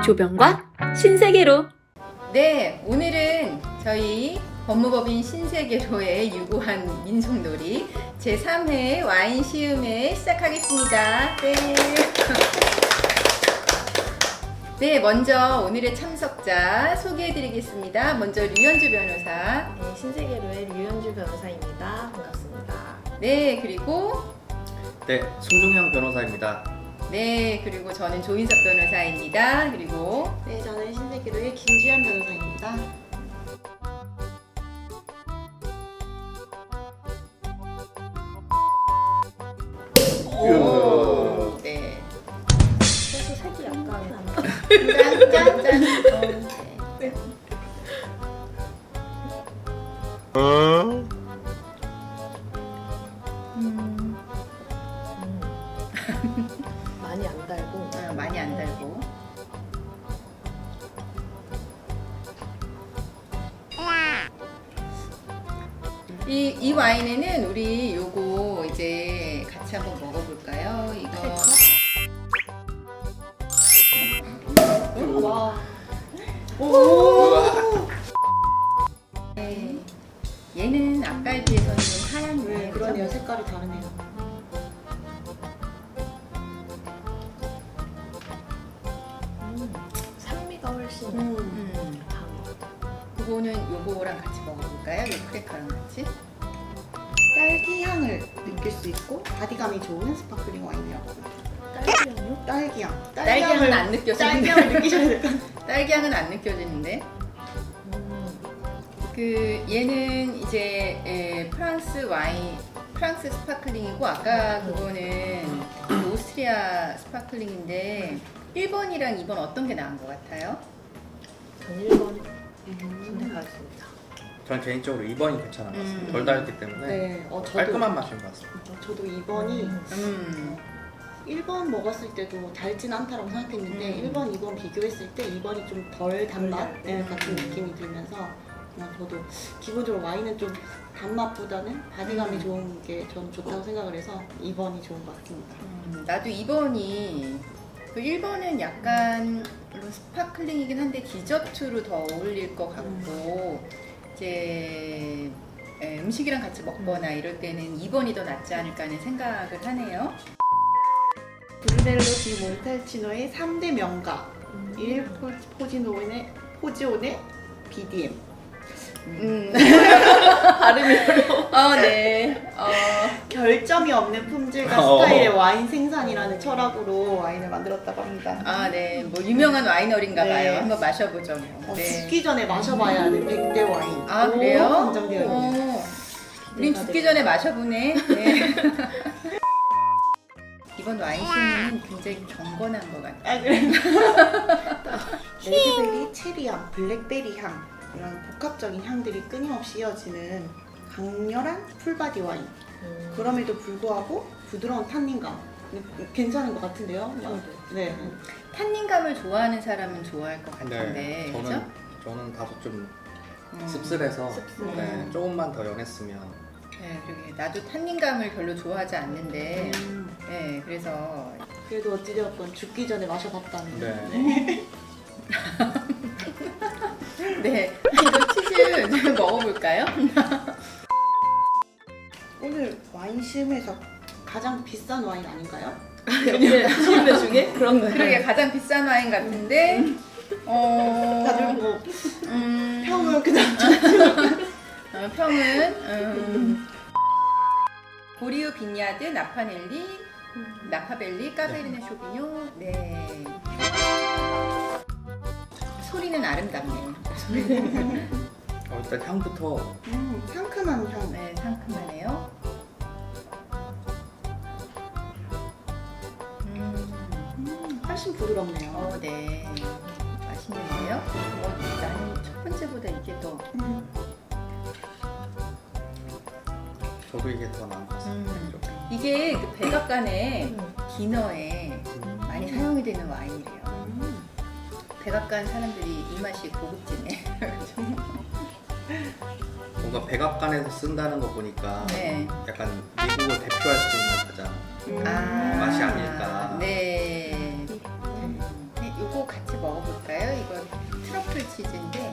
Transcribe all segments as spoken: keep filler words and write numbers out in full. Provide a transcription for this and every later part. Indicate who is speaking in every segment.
Speaker 1: 조병과 신세계로.
Speaker 2: 네, 오늘은 저희 법무법인 신세계로의 유구한 민속놀이 제삼 회 와인 시음회 시작하겠습니다. 네. 네, 먼저 오늘의 참석자 소개해드리겠습니다. 먼저 류현주 변호사.
Speaker 3: 네, 신세계로의 류현주 변호사입니다. 반갑습니다.
Speaker 2: 네, 그리고
Speaker 4: 네, 송종현 변호사입니다.
Speaker 2: 네, 그리고 저는 조인석 변호사입니다. 그리고
Speaker 3: 네, 저는 신세계로의 김주현 변호사입니다.
Speaker 2: 오, 네.
Speaker 3: 그래서 색이 약간
Speaker 2: 짠, 짠, 짠. 어, 네. 음,
Speaker 3: 많이 안 달고
Speaker 2: 어, 많이 안 달고. 이, 이 와인에는 우리 요거 이제 같이 한번 먹어볼까요? 이거.
Speaker 3: 와.
Speaker 2: 네. 얘는 아까에 비해서는 좀 하얀
Speaker 3: 네,
Speaker 2: 네,
Speaker 3: 그러네요. 색깔이 다르네요. 음, 산미가 훨씬
Speaker 2: 음.
Speaker 3: 강한 것 같아요.
Speaker 2: 그거는 요거랑 같이 먹어볼까요? 이 크래커랑 같이.
Speaker 5: 딸기 향을 느낄 수 있고 바디감이 좋은 스파클링 와인이라고 합니다.
Speaker 3: 딸기향요?
Speaker 5: 딸기 향.
Speaker 2: 딸기 향은 안 느껴지는데.
Speaker 5: 딸기 향을 느끼셔야 될 것 같아요.
Speaker 2: 딸기 향은 안 느껴지는데.
Speaker 3: 음,
Speaker 2: 그 얘는 이제 에, 프랑스 와인, 프랑스 스파클링이고 아까 그거는 그 오스트리아 스파클링인데 일 번이랑 이 번 어떤 게 나은 것 같아요?
Speaker 3: 전 일 번 선택하겠습니다.
Speaker 4: 저는 개인적으로 이 번이 괜찮은 것 같습니다.
Speaker 2: 음.
Speaker 4: 덜 달기 때문에
Speaker 5: 네, 어, 저도,
Speaker 4: 깔끔한 맛인 것 같습니다.
Speaker 5: 어, 저도 이 번이
Speaker 2: 음,
Speaker 5: 일 번 먹었을 때도 달진 않다라고 생각했는데
Speaker 2: 음.
Speaker 5: 일 번, 이 번 비교했을 때 이 번이 좀 덜 단맛
Speaker 3: 덜
Speaker 5: 네,
Speaker 2: 달고.
Speaker 5: 같은 느낌이 들면서 그냥 저도 기본적으로 와인은 좀 단맛보다는 바디감이
Speaker 2: 음.
Speaker 5: 좋은 게 저는 좋다고 생각을 해서 이 번이 좋은 것 같습니다.
Speaker 2: 음, 나도 이 번이 그 일 번은 약간 물론 스파클링이긴 한데 디저트로 더 어울릴 것 같고 이제 에, 음식이랑 같이 먹거나 이럴 때는 이 번이 더 낫지 않을까 하는 생각을 하네요.
Speaker 5: 브루넬로 디 몬탈치노의 삼 대 명가
Speaker 3: 음.
Speaker 5: 일 포지노의 포지온의 비디엠.
Speaker 2: 음.
Speaker 5: 발음이 어려워.
Speaker 2: 어, 네. 어,
Speaker 5: 결점이 없는 품질과
Speaker 4: 어.
Speaker 5: 스타일의 와인 생산이라는 철학으로 와인을 만들었다고 합니다.
Speaker 2: 아, 네. 뭐 유명한 와이너리인가
Speaker 5: 네.
Speaker 2: 봐요. 한번 마셔보죠. 뭐.
Speaker 5: 어,
Speaker 2: 네.
Speaker 5: 죽기 전에 마셔봐야 하는 백 대 와인.
Speaker 2: 아, 그래요?
Speaker 5: 한정되어 있네요.
Speaker 2: 어. 우린 죽기 전에 마셔보네. 네. 이번 와인 시음은 굉장히 경건한 것 같아요.
Speaker 5: 아, 그래. 레드베리, 체리향, 블랙베리 향 이런 복합적인 향들이 끊임없이 이어지는 강렬한 풀바디 와인.
Speaker 3: 음.
Speaker 5: 그럼에도 불구하고 부드러운 탄닌감. 괜찮은 것 같은데요? 네.
Speaker 2: 탄닌감을 좋아하는 사람은 좋아할 것 같은데.
Speaker 4: 네,
Speaker 2: 그죠?
Speaker 4: 저는 저는 다소 좀
Speaker 2: 음.
Speaker 4: 씁쓸해서
Speaker 3: 씁쓸해.
Speaker 4: 네, 조금만 더 연했으면.
Speaker 2: 네, 그러게. 나도 탄닌감을 별로 좋아하지 않는데.
Speaker 5: 음,
Speaker 2: 네, 그래서.
Speaker 5: 그래도 어찌되었건 죽기 전에 마셔봤다는.
Speaker 4: 네.
Speaker 2: 네. 이거 치즈 좀 먹어볼까요?
Speaker 5: 오늘 와인 시음에서 가장 비싼 와인 아닌가요?
Speaker 3: 시음회 중에 그런 거예요.
Speaker 2: 그러게 가장 비싼 와인 같은데. 어.
Speaker 5: 다들 뭐
Speaker 2: 음.
Speaker 5: 평을 그냥
Speaker 2: 어, 평은 음, 보리우 빈야드 나파넬리 나파벨리 까베르네 쇼비뇽. 네. 소리는 아름답네요.
Speaker 4: 어, 일단 향부터
Speaker 5: 음, 상큼한 향.
Speaker 2: 네, 상큼하네요. 음,
Speaker 5: 음, 훨씬 부드럽네요.
Speaker 2: 어, 네. 맛있는데요? 어, 나는 첫 번째보다 이게 더.
Speaker 5: 음,
Speaker 4: 저도 이게 더 나은 것 같습니다.
Speaker 2: 음.
Speaker 4: 좀.
Speaker 2: 이게 그 백악관의
Speaker 3: 음.
Speaker 2: 디너에
Speaker 4: 음.
Speaker 2: 많이 사용이 되는 와인이래요.
Speaker 5: 음.
Speaker 2: 백악관 사람들이 이 맛이 고급지네.
Speaker 4: 뭔가 백악관에서 쓴다는 거 보니까
Speaker 2: 네.
Speaker 4: 약간 미국을 대표할 수 있는 가장
Speaker 5: 음.
Speaker 2: 아,
Speaker 4: 맛이 아닐까.
Speaker 2: 네. 네, 요거 같이 먹어볼까요? 이거 트러플 치즈인데.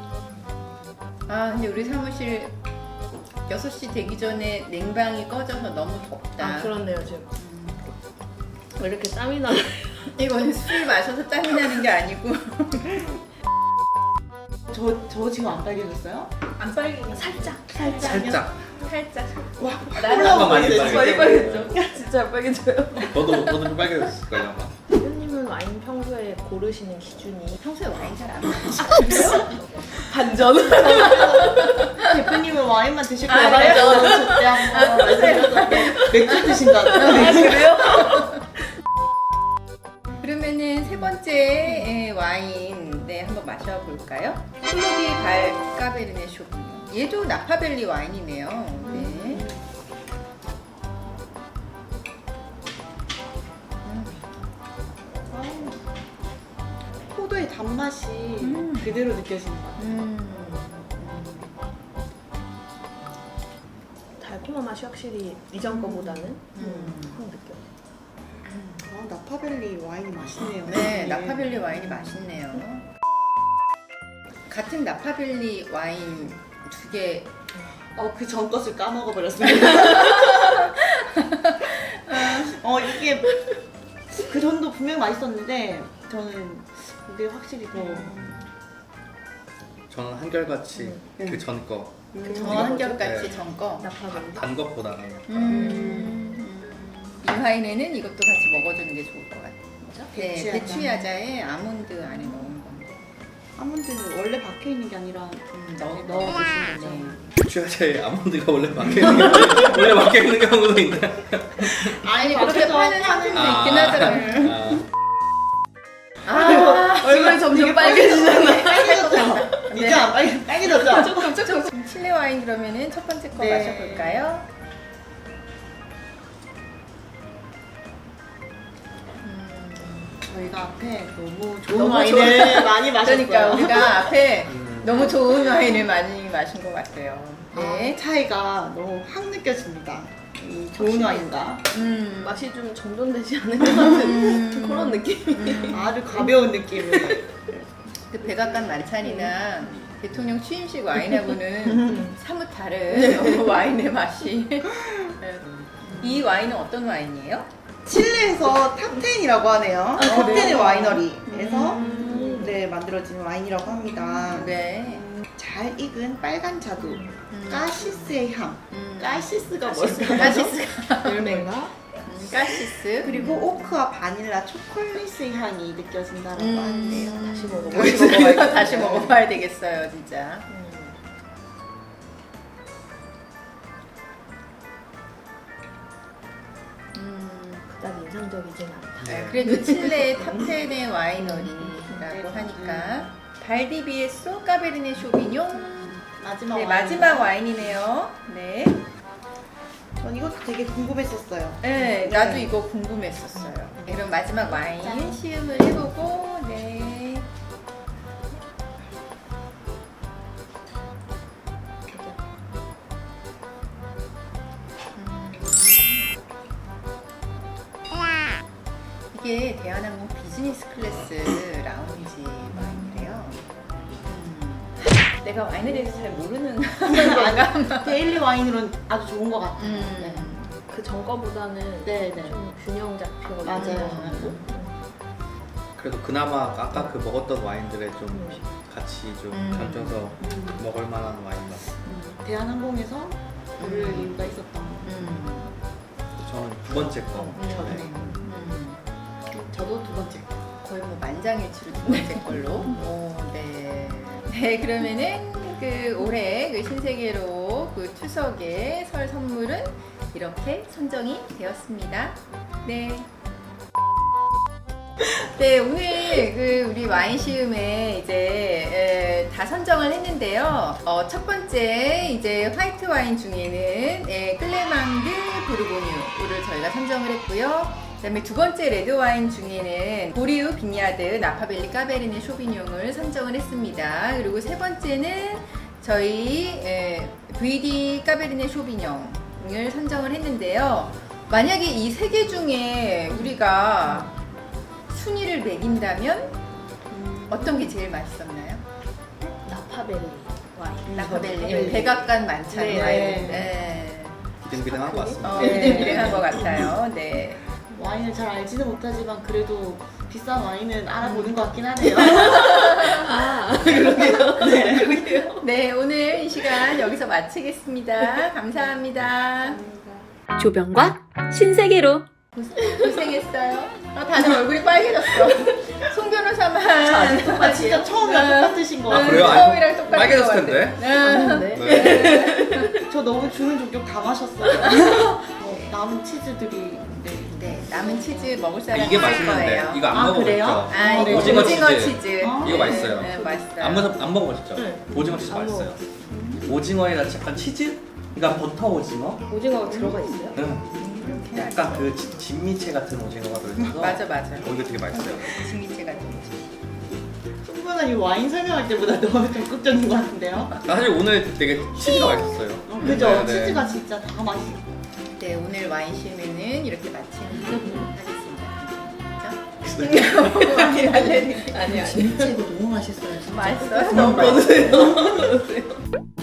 Speaker 2: 아 근데 우리 사무실 여섯 시 되기 전에 냉방이 꺼져서 너무 덥다.
Speaker 3: 아 그렇네요 지금.
Speaker 2: 음,
Speaker 3: 왜 이렇게 땀이 나?
Speaker 2: 이거는 술 마셔서 땀이 나는 게 아니고
Speaker 5: 저, 저 지금 안 빨개졌어요?
Speaker 2: 안 빨개요.
Speaker 3: 살짝.
Speaker 4: 살짝.
Speaker 2: 살짝.
Speaker 5: 와,
Speaker 4: 콜라가 많이 빨개.
Speaker 3: 많이 빨개져. 진짜 안 빨개져요.
Speaker 4: 너도 너도 좀 빨개졌을 거야 아마.
Speaker 3: 대표님은 와인 평소에 고르시는 기준이
Speaker 2: 평소에 와인 잘 안 마셔요.
Speaker 3: 반전.
Speaker 5: 대표님은 와인만 드실
Speaker 2: 아,
Speaker 5: 거예요?
Speaker 2: 그래요?
Speaker 5: 그때 한번 말씀해주셨는데 맥주 드신다고.
Speaker 3: 아 그래요?
Speaker 2: 그러면은 세 번째 예, 와인 네 한번 마셔볼까요? 클로디 발 까베르네 쇼비뇽. 얘도 나파밸리 와인이네요. 네. 음.
Speaker 5: 포도의 단맛이
Speaker 2: 음.
Speaker 5: 그대로 느껴지는 것 같아요.
Speaker 2: 음.
Speaker 3: 달콤한 맛이 확실히 이전 거보다는
Speaker 2: 음.
Speaker 3: 확 느껴.
Speaker 5: 아, 나파밸리 와인이 맛있네요.
Speaker 2: 네, 나파밸리 와인이 맛있네요. 같은 나파밸리 와인 두 개.
Speaker 5: 어, 그 전 것을 까먹어 버렸습니다. 어, 이게 그 전도 분명히 맛있었는데 저는 이게 확실히 더
Speaker 4: 저는 한결같이
Speaker 5: 음.
Speaker 4: 그 전 거.
Speaker 5: 음,
Speaker 2: 저 한결같이
Speaker 4: 네.
Speaker 2: 전 거.
Speaker 3: 나파밸리.
Speaker 4: 단 것보다는
Speaker 2: 음. 이 와인에는 이것도 같이 먹어주는 게 좋을 것 같아요. 네,
Speaker 5: 배추야자.
Speaker 2: 배추야자에 아몬드 안에 넣은 건데.
Speaker 5: 아몬드는 원래 박혀 있는 게 아니라
Speaker 2: 음, 넣어
Speaker 5: 넣어 드시는 거죠.
Speaker 2: 네.
Speaker 4: 주야자에 아몬드가 원래 박혀 있는 게 원래 박혀 있는 경우도 있나?
Speaker 2: 아니 그렇게 파는 상품도 있긴 하더라고요.
Speaker 4: 아,
Speaker 2: 아,
Speaker 3: 얼굴이 점점 빨개지잖아.
Speaker 5: 빨개졌죠? 이제 안 빨개, 빨개졌죠?
Speaker 2: 조금 조금. 칠레 와인 그러면은 첫 번째 거
Speaker 5: 네.
Speaker 2: 마셔볼까요?
Speaker 5: 저희가 앞에 너무 좋은
Speaker 2: 너무
Speaker 5: 와인을 많이 마셨어요.
Speaker 2: 그러니까 우리가 앞에
Speaker 4: 음.
Speaker 2: 너무 좋은 와인을 많이 마신 것 같아요.
Speaker 5: 네.
Speaker 2: 네.
Speaker 5: 차이가 너무 확 느껴집니다. 이 좋은 와인과
Speaker 2: 음,
Speaker 3: 맛이 좀 정돈되지 않은 것 같은
Speaker 2: 음.
Speaker 3: 그런 느낌.
Speaker 2: 음.
Speaker 5: 아주 가벼운 느낌을.
Speaker 2: 그 백악관 만찬이나 대통령 취임식 와인하고는 사뭇 다른 와인의 맛이. 네. 이 와인은 어떤 와인이에요?
Speaker 5: 칠레에서 탑텐이라고 하네요. 탑텐의
Speaker 2: 그래요?
Speaker 5: 와이너리에서
Speaker 2: 음.
Speaker 5: 네, 만들어진 와인이라고 합니다.
Speaker 2: 네.
Speaker 5: 잘 익은 빨간 자두,
Speaker 2: 음.
Speaker 5: 까시스의 향.
Speaker 2: 음.
Speaker 5: 까시스가 뭘까요?
Speaker 2: 까시스가
Speaker 3: 열매인가?
Speaker 2: 음, 까시스.
Speaker 5: 그리고 오크와 바닐라, 초콜릿의 향이 느껴진다고
Speaker 2: 음.
Speaker 5: 하는데요.
Speaker 3: 다시 먹어봐.
Speaker 2: 다시 먹어봐야, 다시 먹어봐야 되겠어요, 진짜.
Speaker 3: 음.
Speaker 2: 음,
Speaker 3: 그다음 인상적이진 않다.
Speaker 2: 네, 그래도 칠레의 탑텐의 와이너리라고 하니까 발디비에소 까베르네 쇼비뇽.
Speaker 5: 마지막
Speaker 2: 네,
Speaker 5: 와인.
Speaker 2: 마지막 와인이네요. 네.
Speaker 5: 전 이것도 되게 궁금했었어요.
Speaker 2: 네, 나도 이거 궁금했었어요. 네, 그럼 마지막 와인
Speaker 5: 짠.
Speaker 2: 시음을 해보고, 네. 이게 대한항공 비즈니스 클래스 라운지 와인이래요. 음, 내가 와인에 대해서 잘 모르는 건가?
Speaker 5: 데일리 와인으로는 아주 좋은 것 같아요.
Speaker 2: 음.
Speaker 3: 그 전 거보다는
Speaker 5: 네, 네.
Speaker 3: 좀 균형 잡혀
Speaker 5: 맞아요.
Speaker 3: 있는 것 같고.
Speaker 4: 그래도 그나마 아까 그 먹었던 와인들에 좀
Speaker 3: 음.
Speaker 4: 같이 좀
Speaker 2: 음.
Speaker 4: 견져서 먹을 만한 와인 맛.
Speaker 5: 음, 대한항공에서 고를
Speaker 2: 음.
Speaker 5: 이유가 있었던 것 같아요.
Speaker 2: 음.
Speaker 4: 저는 두 번째 거.
Speaker 2: 음.
Speaker 4: 네.
Speaker 2: 음.
Speaker 5: 저도 두 번째.
Speaker 2: 거의 뭐 만장일치로 두 번째 걸로. 오, 네. 네, 그러면은 그 올해 그 신세계로 그 추석의 설 선물은 이렇게 선정이 되었습니다. 네. 네, 오늘 그 우리 와인 시음에 이제 에, 다 선정을 했는데요. 어, 첫 번째 이제 화이트 와인 중에는 에, 클레망드 부르고뉴를 저희가 선정을 했고요. 그다음에 두 번째 레드 와인 중에는 보리우 빈야드 나파밸리 까베르네 쇼비뇽을 선정을 했습니다. 그리고 세 번째는 저희 에, 브이디 까베르네 쇼비뇽을 선정을 했는데요. 만약에 이 세 개 중에 우리가 순위를 매긴다면 어떤 게 제일 맛있었나요?
Speaker 3: 나파벨리 와인.
Speaker 2: 나파벨리.
Speaker 3: 네.
Speaker 2: 백악관 만찬
Speaker 3: 네.
Speaker 2: 와인. 네.
Speaker 4: 비등비등한 것 같습니다.
Speaker 2: 어, 비등비등한 것 같아요. 네.
Speaker 5: 와인을 잘 알지는 못하지만 그래도 비싼 와인은 알아보는 것 같긴 하네요.
Speaker 3: 아,
Speaker 2: 네, 오늘 이 시간 여기서 마치겠습니다. 감사합니다.
Speaker 1: 조병과 신세계로.
Speaker 2: 고생했어요. 아, 다들 얼굴이 빨개졌어. 송 변호사만.
Speaker 5: 아, 진짜 처음이랑 똑같으신 거
Speaker 4: 아,
Speaker 5: 같아요.
Speaker 4: 그래요?
Speaker 2: 처음이랑 똑같은
Speaker 4: 빨개졌을
Speaker 2: 것 같아.
Speaker 4: 텐데.
Speaker 2: 응.
Speaker 3: 네.
Speaker 4: 네.
Speaker 5: 저 너무 주는 종족 다 마셨어요. 어, 남은 치즈들이 네.
Speaker 2: 네, 남은 치즈 먹을
Speaker 4: 아,
Speaker 2: 사람
Speaker 4: 이게
Speaker 2: 있을
Speaker 4: 맛있는데
Speaker 2: 거예요.
Speaker 4: 이거 안
Speaker 5: 아,
Speaker 4: 먹어봤죠?
Speaker 5: 그래요?
Speaker 2: 아, 이거
Speaker 4: 오징어
Speaker 2: 오징어,
Speaker 4: 치즈.
Speaker 2: 치즈.
Speaker 5: 아,
Speaker 4: 이거 맛있어요.
Speaker 2: 네, 맛있어요.
Speaker 4: 안, 먹어, 안 먹어보셨죠?
Speaker 3: 네.
Speaker 4: 오징어 치즈
Speaker 3: 안
Speaker 4: 맛있어요. 오징어에다 약간 치즈? 그러니까 버터 오징어?
Speaker 3: 오징어가 들어가 있어요?
Speaker 4: 응.
Speaker 2: 이렇게
Speaker 4: 약간 그 지- 진미채 같은 오징어가 들어있어서
Speaker 2: 맞아, 맞아.
Speaker 4: 어, 이거 되게 맛있어요.
Speaker 2: 진미채가 좀.
Speaker 5: 송변아 이 와인 설명할 때보다 너무 적극적인 것 같은데요?
Speaker 4: 나 사실 오늘 되게 치즈가 맛있었어요.
Speaker 5: 어, 그죠?
Speaker 4: 네, 네.
Speaker 5: 치즈가 진짜 다 맛있어요.
Speaker 2: 네, 오늘 와인 실매는 이렇게 마치는 하겠습니다. 그죠? 많이 알레르기. 아니야.
Speaker 5: 진미채 이거 너무 맛있어요. 진짜.
Speaker 2: 맛있어요? 너무 맛있어요.